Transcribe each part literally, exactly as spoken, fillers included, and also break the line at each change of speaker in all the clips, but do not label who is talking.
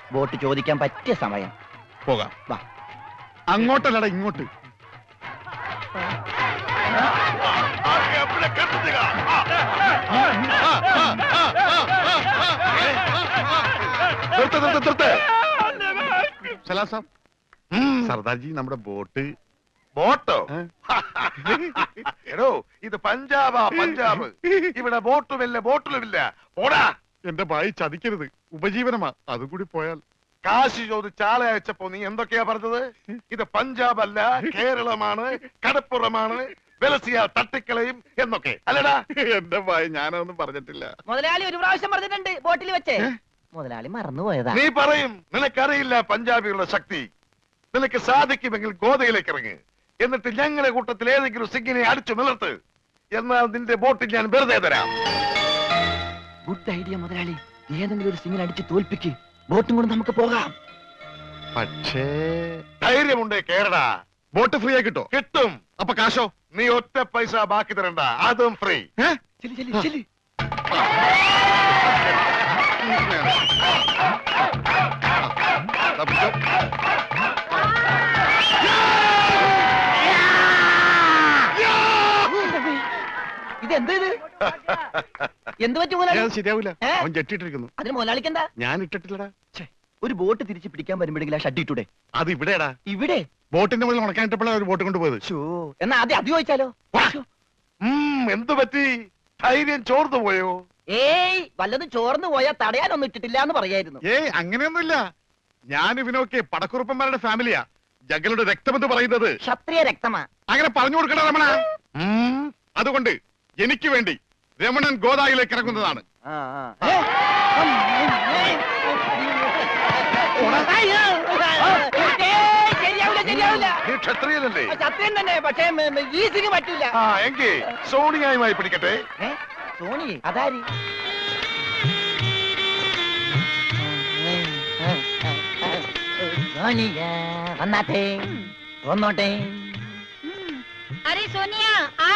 Boat ചോദിക്കാൻ പറ്റിയ സമയം.
പോകാം.
വാ.
അങ്ങോട്ടല്ലടാ, ഇങ്ങോട്ട്. സർദാർജി, നമ്മുടെ ബോട്ട്.
ബോട്ടോ? എടോ, ഇത് പഞ്ചാബാ, പഞ്ചാബ്. ഇവിടെ ബോട്ടുമില്ല, ബോട്ടിലുമില്ല. പോടാ.
എന്റെ ഭായി ചതിക്കരുത്, ഉപജീവനമാ. അതുകൂടി പോയാൽ.
കാശി ചോദിച്ച് ആളെ അയച്ചപ്പോ നീ എന്തൊക്കെയാ പറഞ്ഞത്? ഇത് പഞ്ചാബ് അല്ല, കേരളമാണ്, കടപ്പുറമാണ്, വെലസിയ തട്ടിക്കളയും എന്നൊക്കെ അല്ലടാ.
എന്റെ ഭായി ഞാനൊന്നും പറഞ്ഞിട്ടില്ല.
മുതലാളി ഒരു പ്രാവശ്യം പറഞ്ഞിട്ടുണ്ട് ബോട്ടിൽ വെച്ചേ. മുതലാളി മറന്നുപോയതാ.
നീ പറയും നിനക്കറിയില്ല പഞ്ചാബികളുടെ ശക്തി. നിനക്ക് സാധിക്കുമെങ്കിൽ ഗോതയിലേക്ക് ഇറങ്ങ്. എന്നിട്ട് ഞങ്ങളുടെ കൂട്ടത്തിൽ ഏതെങ്കിലും സിംഗിനെ അടിച്ചു നിലർത്ത്. എന്നാൽ നിന്റെ ബോട്ടിൽ ഞാൻ വെറുതെ തരാം.
ഗുഡ് ഐഡിയ മുതലാളി. ഏതെങ്കിലും ഒരു സിംഗിനെ അടിച്ച് തോൽപ്പിക്ക്. ബോട്ടും കൊണ്ട് നമുക്ക് പോകാം.
പക്ഷേ
ധൈര്യമുണ്ടേ കേരള.
ബോട്ട് ഫ്രീ ആയി കിട്ടോ?
കിട്ടും.
അപ്പൊ കാശോ?
നീ ഒറ്റ പൈസ ബാക്കി തരണ്ട, അതും ഫ്രീ.
ചെല്ലി ചെല്ലി ചെല്ലി. ഇതെന്ത് ഇത്? എന്ത് പറ്റും മുതലാളി?
ശരിയാവില്ല, അവൻ ജെട്ടിട്ടിരിക്കുന്നു.
അതിന് മുതലാളിക്ക് എന്താ?
ഞാൻ ഇട്ടിട്ടില്ലടാ.
ഒരു ബോട്ട് തിരിച്ച് പിടിക്കാൻ വരുമ്പോഴെങ്കിലും ആ ഷഡ് ഇട്ടൂടെ?
അത് ഇവിടെടാ.
ഇവിടെ
ബോട്ടിന്റെ മുകളിൽ ഉണക്കാനിട്ടപ്പോഴാണ് ഒരു ബോട്ട് കൊണ്ടുപോയത്.
എന്നാ ആദ്യം അത് ചോദിച്ചാലോ?
എന്തു പറ്റി? ധൈര്യം ചോർന്നു പോയോ?
ഏയ്, വല്ലതും ചോർന്നു പോയാൽ തടയാനൊന്നും ഇട്ടിട്ടില്ല എന്ന് പറയായിരുന്നു.
ഏയ്, അങ്ങനെയൊന്നുമില്ല. ഞാൻ ഇവനൊക്കെ പടക്കുറുപ്പന്മാരുടെ ഫാമിലിയാ. ജഗലുടെ രക്തമെന്ന് പറയുന്നത്
ക്ഷത്രിയ രക്തമാ.
അങ്ങനെ പറഞ്ഞു കൊടുക്കണ രമണ. അതുകൊണ്ട് എനിക്ക് വേണ്ടി രമണൻ ഗോദായിലേക്ക് ഇറങ്ങുന്നതാണ്.
ക്ഷത്രിയനല്ലേ?
ക്ഷത്രിയൻ തന്നെ, പക്ഷേ ഈ സിംഗ് പറ്റില്ല.
എങ്കിൽ സോണിയായുമായി പിടിക്കട്ടെ.
സോണി അതാരി? സോണിയ വന്നാട്ടെ, വന്നോട്ടെ.
अरे सोनिया आ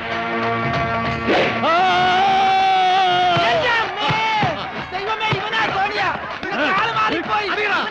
ദൈവമേ, ഇവനാ സോണിയ. ആള് മാറിപ്പോയി.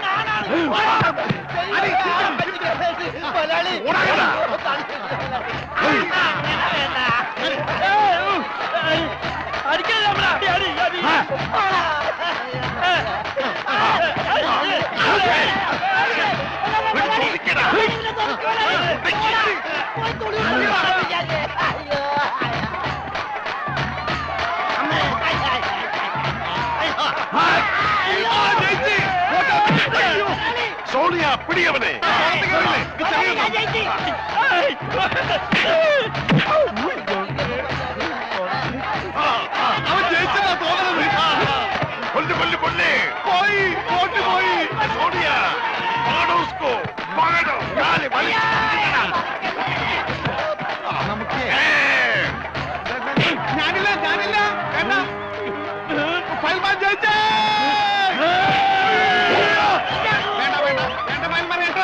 സോണിയ, പിടിയവനെ.
അവൻ ജയിച്ചതാ തോന്നുന്നത്.
കൊല്ലു കൊല്ലു കൊല്ലേ. പോയി, ബോട്ട് പോയി. സോണിയ, പകടോ ഉസ്കോ, പകടോ. കാല് വലി.
നമുക്ക് ഞാനില്ല, ഞാനില്ല. വേണ്ട, ഫയൽമാൻ ജയിച്ചേ. വേണ്ട വേണ്ട വേണ്ട, ഫയൽമാൻ കേട്ടോ.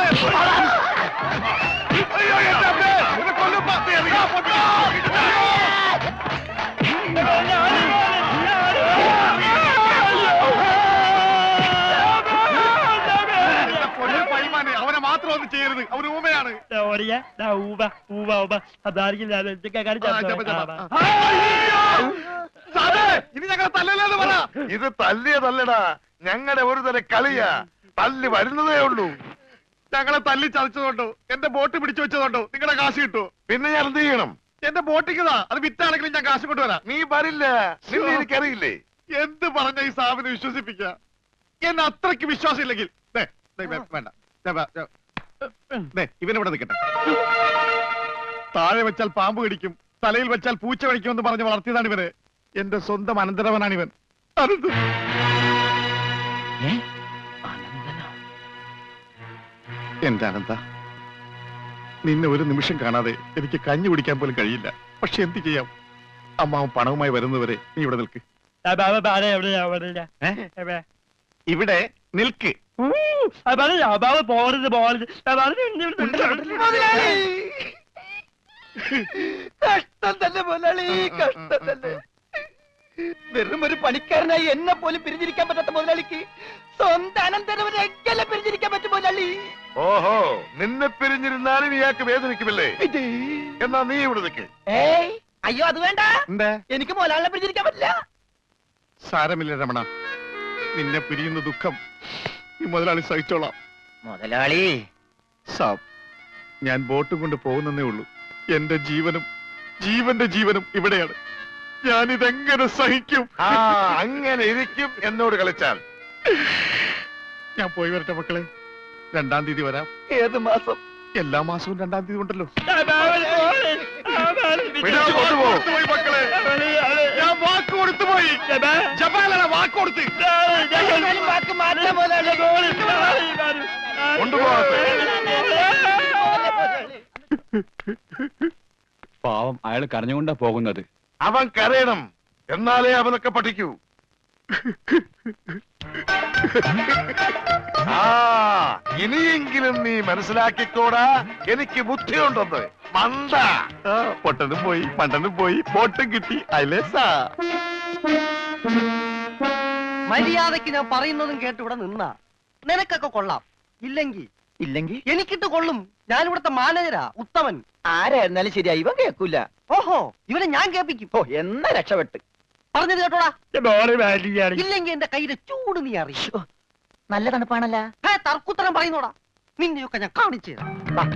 അയ്യോ, എന്റെ അമ്മേ, ഇത് കൊല്ലും. പത്തി അറിയാം. പൊട്ടോ.
അവനെ മാത്രം ഒന്നും ചെയ്യരുത്, അവന് ഊമയാണ്. ഇനി ഞങ്ങളെ തല്ലല്ലെന്ന് പറ.
ഇത് തല്ലിയതല്ലടാ, ഞങ്ങളുടെ ഒരു തല കളിയാ. തല്ലി വരുന്നതേ ഉള്ളൂ.
ഞങ്ങളെ തല്ലി ചതച്ചതുകൊണ്ടോ എന്റെ ബോട്ട് പിടിച്ചു വെച്ചതുകൊണ്ടോ നിങ്ങളുടെ കാശ് കിട്ടുമോ?
പിന്നെ ഞാൻ എന്ത് ചെയ്യണം?
എന്റെ ബോട്ടിക്കതാ, അത് വിറ്റാണെങ്കിലും ഞാൻ കാശ് കൊണ്ടുവരാം.
നീ വരില്ല, നിന്നെ എനിക്കറിയില്ലേ.
എന്ത് പറഞ്ഞ ഈ സാബിനെ വിശ്വസിപ്പിക്ക? എന്നെ അത്രയ്ക്ക് വിശ്വാസം ഇല്ലെങ്കിൽ വേണ്ട, ഇവനിവിടെ നിൽക്കട്ടെ. താഴെ വെച്ചാൽ പാമ്പ് കടിക്കും, തലയിൽ വെച്ചാൽ പൂച്ച കടിക്കുമെന്ന് പറഞ്ഞ് വളർത്തിയതാണ് ഇവന്. എന്റെ സ്വന്തം അനന്തരവനാണ് ഇവൻ. എന്റെ അനന്ത, നിന്നെ ഒരു നിമിഷം കാണാതെ എനിക്ക് കഞ്ഞി കുടിക്കാൻ പോലും കഴിയില്ല. പക്ഷെ എന്ത് ചെയ്യാം, അമ്മാവൻ പണവുമായി വരുന്നവരെ നീ ഇവിടെ നിൽക്ക്. ഇവിടെ നിൽക്ക്.
പോകരുത് പോകരുത്. കഷ്ടം തന്നെ മുതലാളി, കഷ്ടം തന്നെ. വെറും ഒരു പണിക്കാരനായി എന്നെ പോലും പിരിഞ്ഞിരിക്കാൻ പറ്റാത്ത മുതലാളിക്ക് സ്വന്തം അനന്തരവരെയൊക്കെ പിരിഞ്ഞിരിക്കാൻ പറ്റും മുതലാളി.
ഓഹോ, നിന്നെ പിരിഞ്ഞിരുന്നാലും ഇയാൾക്ക് വേദനിക്കുമില്ലേ? എന്നാ നീ ഇവിടെ നിൽക്ക്.
ഏയ് അയ്യോ, അത് വേണ്ട.
എന്താ?
എനിക്ക് മുതലാളിനെ പിരിഞ്ഞിരിക്കാൻ പറ്റില്ല.
സാരമില്ല രമണ, നിന്നെ പിരിയുന്ന ദുഃഖം ഈ മുതലാളി സഹിച്ചോളാം.
മുതലാളി
സാബ്, ഞാൻ ബോട്ടും കൊണ്ട് പോകുന്നേ ഉള്ളൂ. എന്റെ ജീവനും ജീവന്റെ ജീവനും ഇവിടെയാണ്. ഞാനിതെങ്ങനെ സഹിക്കും?
ആ, അങ്ങനെ ഇരിക്കും എന്നോട് കളിച്ചാൽ.
ഞാൻ പോയി വരട്ടെ മക്കളെ. രണ്ടാം തീയതി വരാം.
ഏത് മാസം?
എല്ലാ മാസവും രണ്ടാം തീയതി ഉണ്ടല്ലോ.
പിടിച്ചു കൊണ്ടുപോകും.
പോയി മക്കളെ, ഞാൻ വാക്ക് കൊടുത്തു പോയി. ജപാലന വാക്ക് കൊടുത്ത്
വാക്ക് മാറ്റാം മുതലാളി.
കൊണ്ടുപോകട്ടെ.
പാവം, അയാൾ കരഞ്ഞുകൊണ്ടാ പോകുന്നത്.
അവൻ കരയണം, എന്നാലേ അവനൊക്കെ പഠിക്കൂ. ആ, ഇനിയെങ്കിലും നീ മനസ്സിലാക്കിക്കോടാ, എനിക്ക് ബുദ്ധിയുണ്ടെന്ന്. മണ്ട.
പൊട്ടനും പോയി, മണ്ടനും പോയി, ബോട്ടും കിട്ടി. അയലേസാ
മര്യാദക്ക് ഞാൻ പറയുന്നതും കേട്ട് ഇവിടെ നിന്നാ നിനക്കൊക്കെ കൊള്ളാം. ഇല്ലെങ്കിൽ
ഇല്ലെങ്കിൽ
എനിക്കിട്ട് കൊള്ളും. ഞാൻ ഇവിടുത്തെ മാനേജരാ, ഉത്തമൻ.
ആരായിരുന്നാലും ശരിയാ, ഇവൻ കേൾക്കൂല.
ഓഹോ, ഇവനെ ഞാൻ കേൾപ്പിക്കും.
ഓ, എന്നാ രക്ഷപ്പെട്ട്.
പറഞ്ഞത് കേട്ടോടാ. ഇല്ലെങ്കിൽ എന്റെ കയ്യിലെ ചൂട് നീ അറിയോ?
നല്ല തണുപ്പാണല്ല.
ഏ, തർക്കുത്തരം പറയുന്നോടാ. നിന്നെയൊക്കെ ഞാൻ കാണിച്ചു തരാം.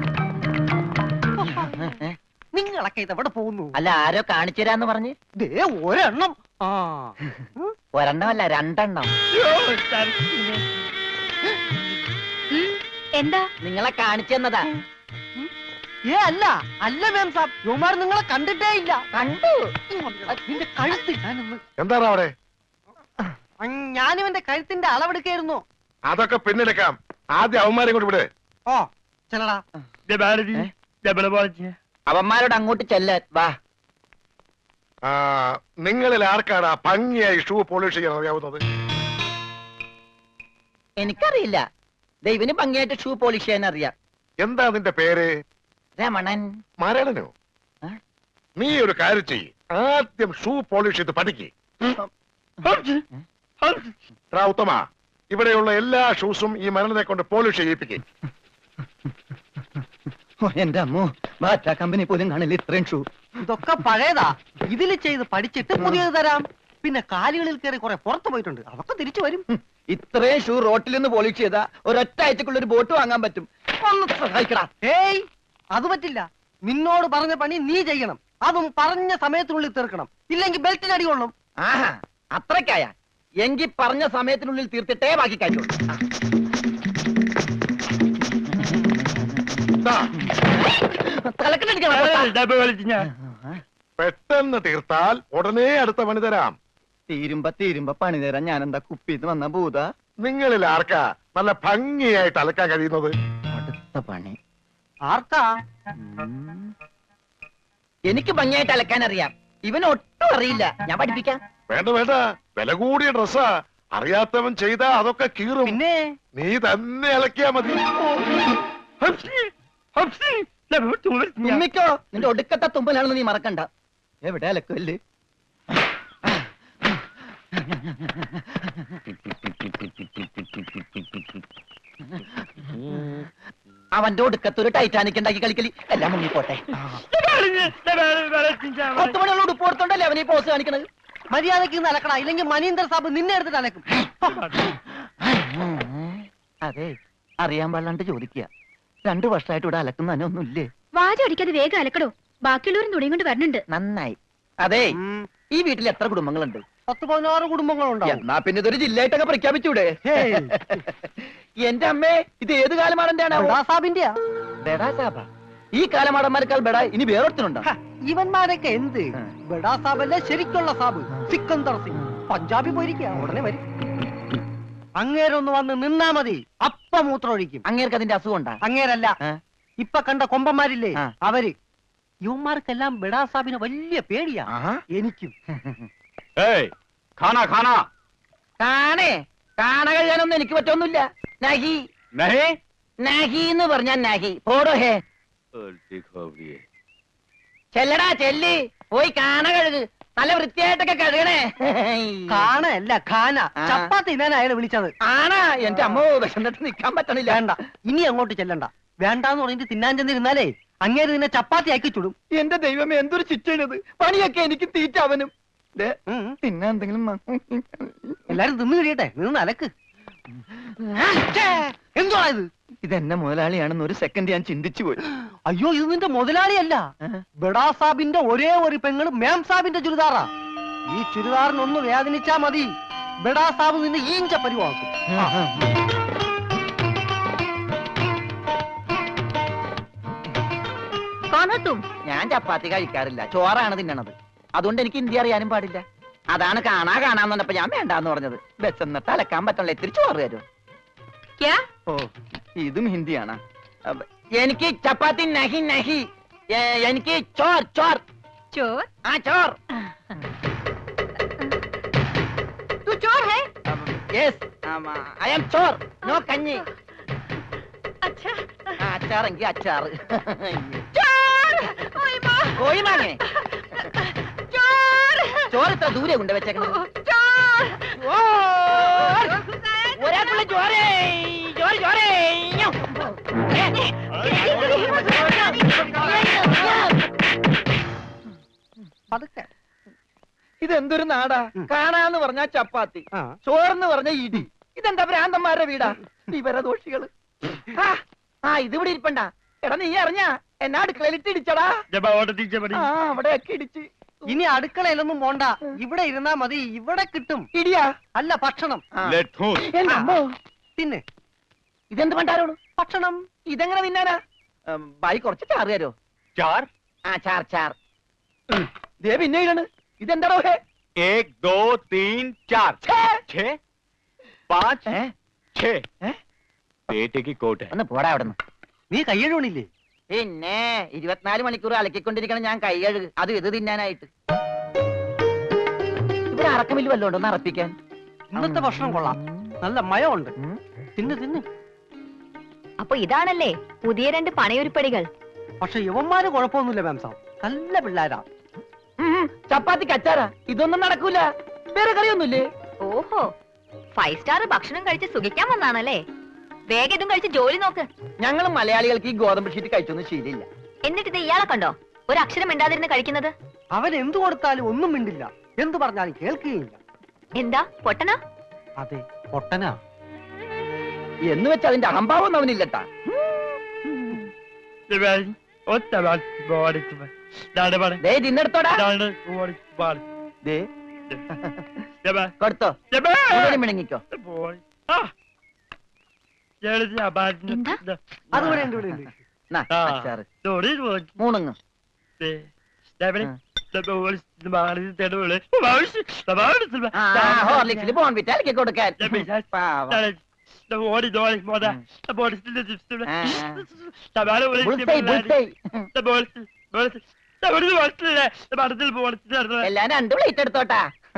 നിങ്ങളൊക്കെ ഇതെവിടെ പോകുന്നു?
അല്ല, ആരോ കാണിച്ചു തരാന്ന് പറഞ്ഞ്.
ദേ ഒരെണ്ണം. ആ,
ഒരെണ്ണമല്ല, രണ്ടെണ്ണം.
എന്താ?
നിങ്ങളെ കാണിച്ചു തന്നതാ.
ഏ അല്ല അല്ല മാം സാബ്, യുവമാർ നിങ്ങളെ കണ്ടിട്ടേ ഇല്ല.
കണ്ടു.
നിന്റെ കഴുത്ത് ഞാനൊന്ന്.
എന്താണ് അവിടെ?
ഞാനിവന്റെ കഴുത്തിന്റെ അളവെടുക്കായിരുന്നു.
അതൊക്കെ പിന്നിലേക്കാം. ആദ്യം അവന്മാരെ കൊണ്ട് വിട്.
ഓ ചെല്ലടാ.
അവന്മാരോട് അങ്ങോട്ട് ചെല്ലാൻ വാ.
ആ, നിങ്ങളിൽ ആർക്കാണ് ആ ഭംഗിയായി ഷൂ പോളിഷ് ചെയ്യാൻ അറിയാവുന്നത്?
എനിക്കറിയില്ല. ദൈവന് ഭംഗിയായിട്ട് ഷൂ പോളിഷ് ചെയ്യാൻ അറിയാം.
എന്താ നിന്റെ പേര്?
രമണൻ.
മരണനോ?
ആ?
നീ ഒരു കാര്യം ചെയ്യ്, ആദ്യം ഷൂ പോളിഷ് ചെയ്ത് പഠിക്ക്. ഉത്തമ, ഇവിടെയുള്ള എല്ലാ ഷൂസും ഈ മരണനെ കൊണ്ട് പോളിഷ് ചെയ്യിപ്പിക്കും.
എന്റെ അമ്മോ, ബാറ്റ കമ്പനി പോലും കാണില്ല ഇത്രയും ഷൂ.
ഇതൊക്കെ പഴയതാ. ഇതിൽ ചെയ്ത് പഠിച്ചിട്ട് പുതിയത് തരാം. പിന്നെ കാലുകളിൽ കയറി കുറെ പുറത്തു പോയിട്ടുണ്ട്, അതൊക്കെ തിരിച്ചു വരും.
ഇത്രയും ഷൂ റോട്ടിൽ നിന്ന് പോളിഷ് ചെയ്താ ഒരൊറ്റ ആഴ്ചക്കുള്ള ഒരു ബോട്ട് വാങ്ങാൻ പറ്റും. ഒന്ന് സഹായിക്കടാ.
ഏയ്, അത് പറ്റില്ല. നിന്നോട് പറഞ്ഞ പണി നീ ചെയ്യണം. അതും പറഞ്ഞ സമയത്തിനുള്ളിൽ തീർക്കണം. ഇല്ലെങ്കിൽ ബെൽറ്റിന് അടി കൊള്ളും.
ആഹാ, അത്രക്കായ എങ്കി പറഞ്ഞ സമയത്തിനുള്ളിൽ തീർത്തിട്ടേ ബാക്കി കാര്യമുള്ളൂ.
ദാ,
തലക്കെട്ടടിക്കണം.
പെട്ടെന്ന് തീർത്താൽ ഉടനെ അടുത്ത പണി തരാം.
തീരുമ്പ തീരുമ്പ പണി തരാൻ ഞാൻ എന്താ കുപ്പിന്ന് വന്ന ഭൂത?
നിങ്ങളിൽ ആർക്കാ നല്ല ഭംഗിയായിട്ട് അലക്കാൻ കഴിയുന്നത്?
അടുത്ത പണി
ആർക്കാ?
എനിക്ക് ഭംഗിയായിട്ട് അലക്കാൻ അറിയാം. ഇവന് ഒട്ടും അറിയില്ല. ഞാൻ പഠിപ്പിക്കാം.
വേണ്ട വേണ്ട, വില കൂടിയ ഡ്രസ്സാ. അറിയാത്തവൻ ചെയ്താ അതൊക്കെ കീറും.
പിന്നെ
നീ തന്നെ അലക്കിയാ മതി.
തുമ്മിക്കോ, നിന്റെ ഒടുക്കത്തെ തുമ്പലാണെന്ന് നീ മറക്കണ്ട. എവിടെ അലക്കല്ലേ? അവന്റെ ഒടുക്കത്ത് ഒരു ടൈറ്റാനിക് ഉണ്ടാക്കി കളിക്കലി. എല്ലാം മുങ്ങിപ്പോട്ടെ. പത്ത് മണിയുള്ള ഉടുപ്പ് കൊടുത്തോണ്ടല്ലേ അവനീ പോസ് കാണിക്കണത്.
മര്യാദക്ക് ഇന്ന് അലക്കടാ, ഇല്ലെങ്കിൽ മനീന്ദർ സാബ് നിന്നെ എടുത്തിട്ട് അലക്കും.
അതെ, അറിയാൻ പാടില്ലാണ്ട് ചോദിക്കുക. രണ്ടു വർഷമായിട്ട് ഇവിടെ അലക്കുന്നതിനൊന്നുമില്ലേ?
വാചടിക്കാതെ വേഗം അലക്കടോ, ബാക്കിയുള്ളവരും തുണിയും കൊണ്ട് വരണുണ്ട്.
നന്നായി. അതെ, ഈ വീട്ടിൽ എത്ര കുടുംബങ്ങളുണ്ട്?
പത്ത് പതിനാറ് കുടുംബങ്ങളുണ്ടാവും.
എന്നാ പിന്നെ ഇതൊരു ജില്ലയായിട്ടൊക്കെ പ്രഖ്യാപിച്ചൂടെ? എന്റെ അമ്മേ, ഇത് ഏത് കാലമാടന്റെയാണ്?
സാബിന്റെയാ.
ബെടാ സാബ. ഈ കാലമാടന്മാരെക്കാൾ ബെടാ ഇനി വേറൊരുത്തനുണ്ടോ?
ഇവന്മാരൊക്കെ എന്ത്? ബെടാ സാബല്ലേ ശരിക്കുള്ള സാബ്, സിക്കന്ദർ സിംഗ്. പഞ്ചാബി പോയിരിക്കുക, ഉടനെ വരും. അങ്ങേരൊന്ന് വന്ന് നിന്നാ മതി, അപ്പ മൂത്രമൊഴിക്കും.
അങ്ങേർക്ക് അതിന്റെ അസുഖം ഉണ്ടാ?
അങ്ങേരല്ല, ഇപ്പൊ കണ്ട കൊമ്പന്മാരില്ലേ
ആ.
അവര്. യുവന്മാർക്കെല്ലാം ബെടാ സാബിന് വലിയ പേടിയാ. എനിക്കും.
കാണേ, കാണ കഴിയാനൊന്നും എനിക്ക് പറ്റൊന്നുമില്ല. നഹി നഹി എന്ന് പറഞ്ഞാ നഹി. പോടോ ഹേ. ചെല്ലടാ ചെല്ലി, പോയി കാണ കഴുകു. നല്ല വൃത്തിയായിട്ടൊക്കെ കഴുകണേ.
കാനല്ല ഖാന.
ആ.
ചപ്പാത്തി തിന്നാൻ അയാളെ വിളിച്ചത്.
ആണാ? എന്റെ അമ്മ വിശന്നിട്ട് നിക്കാൻ പറ്റണില്ല.
വേണ്ട, ഇനി അങ്ങോട്ട് ചെല്ലണ്ട. വേണ്ടാന്ന് പറഞ്ഞിട്ട് തിന്നാൻ ചെന്നിരുന്നാലേ അങ്ങേര് നിന്നെ ചപ്പാത്തി ആക്കി ചുടും.
എന്റെ ദൈവമേ, എന്തൊരു ചിറ്റണത്. പണിയൊക്കെ എനിക്ക് തീറ്റ അവനും. ദേ,
ഉം.
തിന്നാൻ എന്തെങ്കിലും മ-
എല്ലാരും തിന്നു കഴിയട്ടെ, നിന്ന് അലക്ക്. എന്തുവാ ഇത്?
ഇതെന്നെ മുതലാളിയാണെന്ന് ഒരു സെക്കൻഡ് ഞാൻ ചിന്തിച്ചു പോയി.
അയ്യോ, ഇത് നിന്റെ മുതലാളിയല്ല, ബഡാ സാബിന്റെ ഒരേ ഒരു പെങ്ങള് മേം സാബിന്റെ ചുരിദാറാ. ഈ ചുരിദാറിനൊന്ന് വേദനിച്ചാ മതി, ബഡാ സാബ് നിന്നെ ഈഞ്ച പരിവാക്കും.
ഞാൻ ചപ്പാത്തി കഴിക്കാറില്ല, ചോറാണ് തിന്നണത്. അതുകൊണ്ട് എനിക്ക് ഹിന്ദി അറിയാനും പാടില്ല. അതാണ് കാണാ കാണാന്ന് പറഞ്ഞപ്പോ ഞാൻ വേണ്ടാന്ന് പറഞ്ഞത്. ബസ്സെന്നിട്ട് അലക്കാൻ പറ്റണില്ല, ഇത്തിരി ചോറ് തരും. ഓ, ഇതും ഹിന്ദിയാണ്. അപ്പ- എനിക്ക് ചപ്പാത്തി നഹി നഹി. ഏ, എനിക്ക് ചോർ ചോർ
ചോർ
ആ ചോർ.
तू चोर है?
യെസ്, ഐ ആം ചോർ, നോ കഞ്ഞി.
अच्छा
ആ, അച്ചാറെങ്കിൽ അച്ചാറ്.
चोर ओए माँ
കോഴി മാങ്ങേ
चोर
ചോറ് ഇത്ര ദൂരെ കൊണ്ട് വെച്ചേക്കണത്.
चोर
ചോർ! ഒരാൾക്കുള്ള ചോരേ, ചോറ് ചോരേ. ഞോ.
പതുക്കെ.
ഇതെന്തൊരു നാടാ. കാണാന്ന് പറഞ്ഞാ ചപ്പാത്തി,
ആ.
ചോറെന്ന് പറഞ്ഞ ഇടി. ഇതെന്താ ഭ്രാന്തന്മാരുടെ വീടാ, വിവരദോഷികള്. ആ, ആ ഇതിവിടെ ഇരിപ്പണ്ട. എടാ, നീ അറിഞ്ഞാ എന്നാ അടുക്കളയിലിട്ട് ഇടിച്ചടാ. ആ, അവിടെയൊക്കെ ഇടിച്ച്.
ഇനി അടുക്കളയിലൊന്നും പോണ്ട, ഇവിടെ ഇരുന്നാ മതി, ഇവിടെ കിട്ടും.
ഇടിയാ?
അല്ല, ഭക്ഷണം.
ആ.
ലഡ്ഡൂസ്.
എന്റെ അമ്മോ,
തിന്നെ
ഇതെന്ത് പണ്ടാരോട്
ഭക്ഷണം.
ഇതെങ്ങനെ തിന്നാനാ? ഉം, ബായി കുറച്ച് ചാറ് തരോ?
चार
ആ, ചാർ ചാർ. ദേ പിന്നെ ഇടണ്. ഇതെന്താടോ ഹേ?
एक दो तीन चार
ഛേ!
छह पाँच
ഏ?
छह
ഏ?
बेटे की कोट है
ഒന്ന് പോടാ അവിടെ നിന്ന്.
നീ കയ്യഴുവണില്ലേ?
പിന്നെ ഇരുപത്തിനാല് മണിക്കൂർ അലക്കിക്കൊണ്ടിരിക്കണം ഞാൻ കൈ കഴുകു, അത് ഇത് തിന്നാനായിട്ട്. ഇവിടെ അറക്കമില്ല വല്ലതും ഉണ്ടോ ഒന്ന് അറപ്പിക്കാൻ?
ഇന്നത്തെ ഭക്ഷണം കൊള്ളാം, നല്ല മയമുണ്ട്.
ഉം.
തിന്ന് തിന്ന്.
അപ്പൊ ഇതാണല്ലേ പുതിയ രണ്ട് പണയൊരുപ്പടികൾ.
പക്ഷെ യവന്മാര് കുഴപ്പമൊന്നുമില്ല മാം സാബ്, നല്ല പിള്ളേരാ.
ഉം, ചപ്പാത്തിക്ക് അച്ചാറാ. ഇതൊന്നും നടക്കൂല. വേറെ കറിയൊന്നുമില്ലേ?
ഓഹോ, ഫൈവ് സ്റ്റാർ ഭക്ഷണം കഴിച്ച് സുഖിക്കാൻ വന്നാണല്ലേ. വേഗം ഇതും കഴിച്ച് ജോലി നോക്ക്.
ഞങ്ങൾ മലയാളികൾക്ക് ഈ ഗോതമ്പ് ഷീറ്റ് കഴിച്ചൊന്നും ശീലില്ല.
എന്നിട്ട് ഇത് ഇയാളെ കണ്ടോ ഒരു അക്ഷരം മിണ്ടാതിരുന്ന് കഴിക്കുന്നത്?
അവൻ എന്തു കൊടുത്താലും ഒന്നും മിണ്ടില്ല, എന്തു പറഞ്ഞാലും കേൾക്കുകയില്ല.
എന്താ പൊട്ടനാ?
അതെ, പൊട്ടനാ.
എന്ന് വെച്ച് അതിന്റെ അഹംഭാവം അവനില്ലട്ടാ. ദേ തിന്നെടുത്തോടാ. ദേ കൊടുത്തോ, കൂടുതലും മിണങ്ങിക്കോ.
എന്താ?
അതുപോലെ ഉണ്ട്, ഇവിടെ ഉണ്ട്.
നാ, അച്ചാറ് മൂണുങ്ങ്. ആ, ഹോർലിക്സിൽ ബോൺവിറ്റ അലക്കി കൊടുക്കാൻ. പാവം. Bullseye, bullseye. എല്ലാം രണ്ട് പ്ലേറ്റ് എടുത്തോട്ടാ.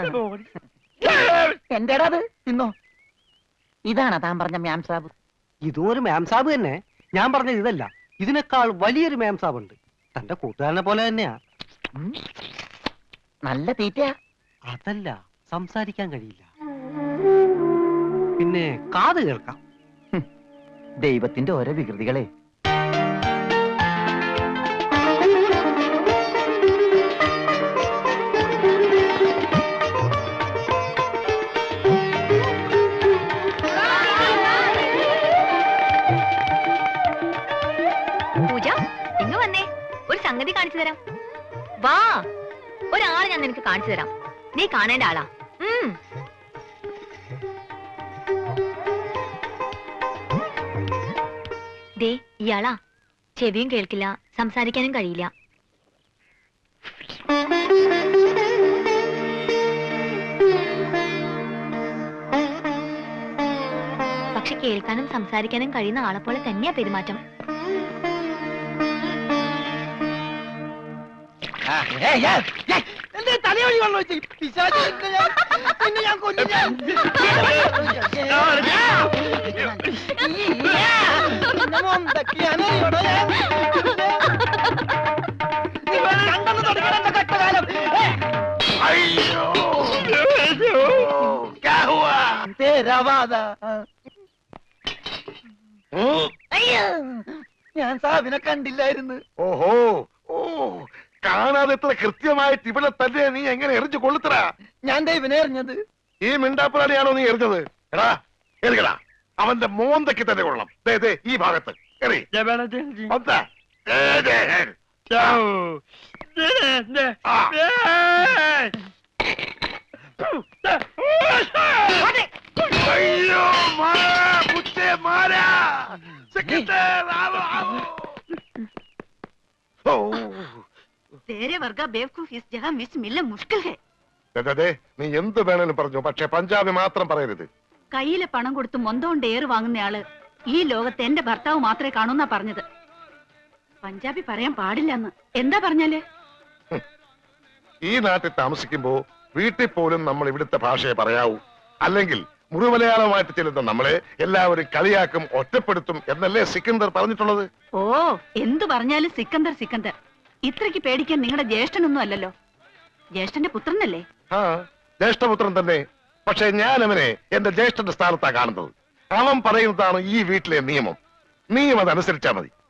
എന്റേടാ അത്? തിന്നോ. ഇതാണോ താൻ പറഞ്ഞ മ്യാം സാബ്?
ഇതും ഒരു മാം സാബ് തന്നെ. ഞാൻ പറഞ്ഞത് ഇതല്ല, ഇതിനേക്കാൾ വലിയൊരു മാം സാബ് ഉണ്ട്. തന്റെ കൂട്ടുകാരനെ പോലെ തന്നെയാ.
ഉം. നല്ല തീറ്റയാ.
അതല്ല, സംസാരിക്കാൻ കഴിയില്ല, പിന്നെ കാത് കേൾക്കാം.
ദൈവത്തിന്റെ ഓരോ വികൃതികളെ.
പൂജ, ഇങ്ങ് വന്നേ, ഒരു സംഗതി കാണിച്ചു തരാം. വാ, ഒരാളെ ഞാൻ നിനക്ക് കാണിച്ചു തരാം. നീ കാണേണ്ട ആളാ. ഉം. ദേ ഇയാളാ. ചെവിയും കേൾക്കില്ല, സംസാരിക്കാനും കഴിയില്ല. പക്ഷെ കേൾക്കാനും സംസാരിക്കാനും കഴിയുന്ന ആളെ പോലെ തന്നെയാ പെരുമാറ്റം.
തലയൊഴി വെള്ളം വെച്ച് പിശാച് നിന്നെ ഞാൻ- നിന്നെ ഞാൻ കൊല്ലും ഞാൻ. നിന്നെ മൊന്തക്കിയാനറിയോടോ ഞാൻ? നീ വേറെ രണ്ടെണ്ണം തുടങ്ങിയാ എന്റെ കഷ്ടകാലം. ഏ,
ഉം.
അയ്യോ ഞാൻ സാബിനെ കണ്ടില്ലായിരുന്നു.
ഓഹോ ഓ കാണാതെ എത്ര കൃത്യമായിട്ട് ഇവിടെ തന്നെ നീ എങ്ങനെ എറിഞ്ഞു കൊള്ളുത്തറ?
ഞാൻ ദൈവനെ എറിഞ്ഞത്.
ഈ മിണ്ടാപ്പുറാണിയാണോ നീ എറിഞ്ഞത്? എടാ എറിയടാ, അവന്റെ മോന്തയ്ക്ക് തന്നെ കൊള്ളണം. ദേ ദേ ഈ ഭാഗത്ത് എറി. വന്നാ. ദേ, ദേ. ആ. അയ്യോ മാറാ, പുച്ചേ മാറാ. സെക്രട്ടറി, ആവോ, ആവോ. ഓ
तेरे वर्गा बेवकूफ इस जगह मिस मिलना मुश्किल है.
ദേ, ദേ, ദേ, നീ എന്ത് വേണേലും പറഞ്ഞു, പക്ഷെ പഞ്ചാബി മാത്രം പറയരുത്.
കയ്യിലെ പണം കൊടുത്ത് മൊന്തോണ്ട് ഏറ് വാങ്ങുന്നയാള് ഈ ലോകത്ത് എന്റെ ഭർത്താവ് മാത്രമേ കാണൂന്നാ പറഞ്ഞത്. പഞ്ചാബി പറയാൻ പാടില്ലെന്ന്. എന്താ പറഞ്ഞാല്?
ഈ നാട്ടിൽ താമസിക്കുമ്പോ വീട്ടിൽ പോലും നമ്മൾ ഇവിടുത്തെ ഭാഷയെ പറയാവൂ. അല്ലെങ്കിൽ മുഴുമലയാളമായിട്ട് ചെല്ലുന്ന നമ്മളെ എല്ലാവരും കളിയാക്കും, ഒറ്റപ്പെടുത്തും എന്നല്ലേ സിക്കന്ദർ പറഞ്ഞിട്ടുള്ളത്?
ഓ, എന്തു പറഞ്ഞാലും സിക്കന്ദർ സിക്കന്ദർ. ഇത്രയ്ക്ക് പേടിക്കാൻ നിങ്ങളുടെ ജ്യേഷ്ഠനൊന്നും അല്ലല്ലോ. ജ്യേഷ്ഠന്റെ പുത്രനല്ലേ?
ആ, ജ്യേഷ്ഠപുത്രൻ തന്നെ. പക്ഷെ ഞാൻ അവനെ എന്റെ ജ്യേഷ്ഠന്റെ സ്ഥാനത്താ കാണുന്നത്. അവൻ പറയുന്നതാണ് ഈ വീട്ടിലെ നിയമം. നീയും അതനുസരിച്ചാ മതി.